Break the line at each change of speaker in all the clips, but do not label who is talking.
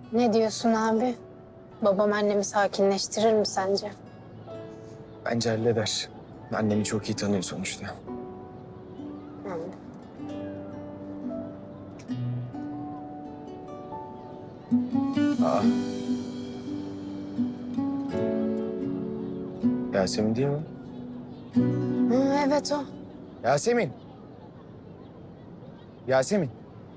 Ne diyorsun abi? Babam annemi sakinleştirir mi sence?
Bence halleder. Annemi çok iyi tanıyor sonuçta.
Yani.
Aa. Yasemin değil mi?
Hı, evet o.
Yasemin. Yasemin.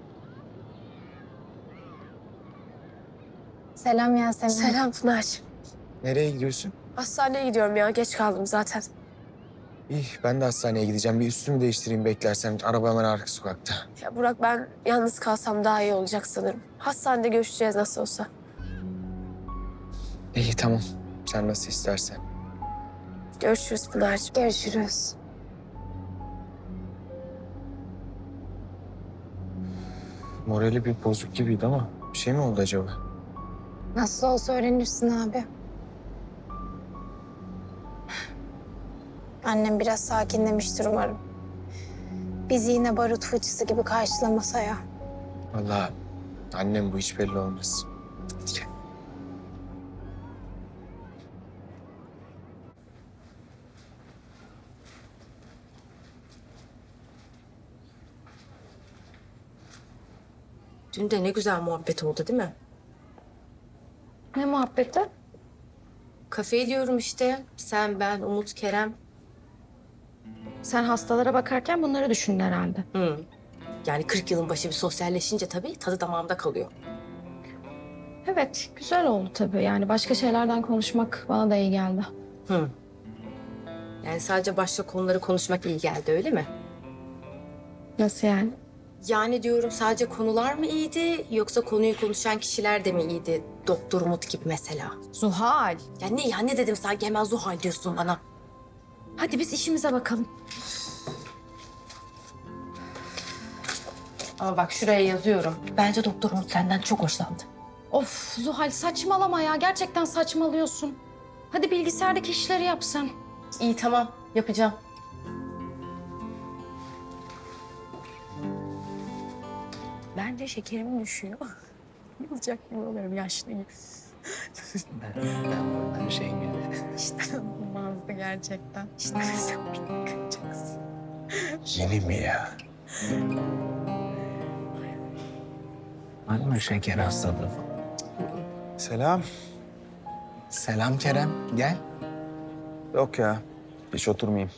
Selam Yasemin.
Selam Pınar.
Nereye gidiyorsun?
Hastaneye gidiyorum ya. Geç kaldım zaten.
İyi, ben de hastaneye gideceğim. Bir üstümü değiştireyim beklersen. Araba hemen arka sokakta.
Ya Burak, ben yalnız kalsam daha iyi olacak sanırım. Hastanede görüşeceğiz nasıl olsa.
İyi, tamam. Sen nasıl istersen.
Görüşürüz Pınar'cığım.
Görüşürüz.
Morali bir bozuk gibiydi ama bir şey mi oldu acaba?
Nasıl olsa öğrenirsin abi. Annem biraz sakinlemiştir umarım. Bizi yine barut fıçısı gibi karşılamasa ya.
Vallahi annem bu hiç belli olmaz. Hadi gel.
Dün de ne güzel muhabbet oldu değil mi?
Ne muhabbeti?
Kafeye diyorum işte. Sen, ben, Umut, Kerem.
Sen hastalara bakarken bunları düşündün herhalde.
Hı. Yani 40 yılın başı bir sosyalleşince tabii tadı damağımda kalıyor.
Evet, güzel oldu tabii. Yani başka şeylerden konuşmak bana da iyi geldi.
Hı. Yani sadece başka konuları konuşmak iyi geldi öyle mi?
Nasıl yani?
Yani diyorum sadece konular mı iyiydi yoksa konuyu konuşan kişiler de mi iyiydi? Doktor Umut gibi mesela.
Zuhal.
Ya ne dedim sanki hemen Zuhal diyorsun bana.
Hadi biz işimize bakalım.
Ama bak şuraya yazıyorum. Bence Doktor Umut senden çok hoşlandı.
Of Zuhal saçmalama ya. Gerçekten saçmalıyorsun. Hadi bilgisayardaki işleri yap sen.
İyi tamam yapacağım.
Ben de şekerim düşüyor. Olacak gibi oluyorum yaşlıyım.
Ben şey gibi.
İşte olmazdı gerçekten. İşte sen beni kıracaksın.
Yeni mi ya? Var mı şeker hastalığı? Selam. Selam Kerem. Gel. Yok ya. Hiç oturmayayım.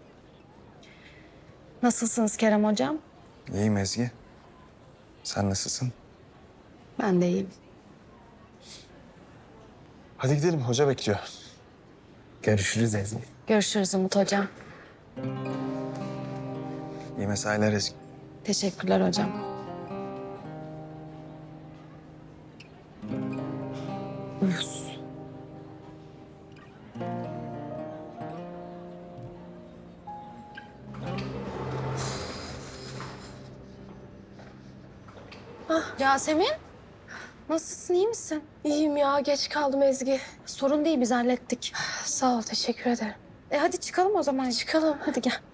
Nasılsınız Kerem hocam?
İyiyim Ezgi. Sen nasılsın?
Ben de iyiyim.
Hadi gidelim. Hoca bekliyor. Görüşürüz Ezgi.
Görüşürüz Umut hocam.
İyi mesailer Ezgi.
Teşekkürler hocam. Uyuz. Yasemin, nasılsın, iyi misin?
İyiyim ya. Geç kaldım Ezgi.
Sorun değil, biz hallettik.
Sağ ol. Teşekkür ederim.
Hadi çıkalım o zaman.
Çıkalım.
Hadi gel.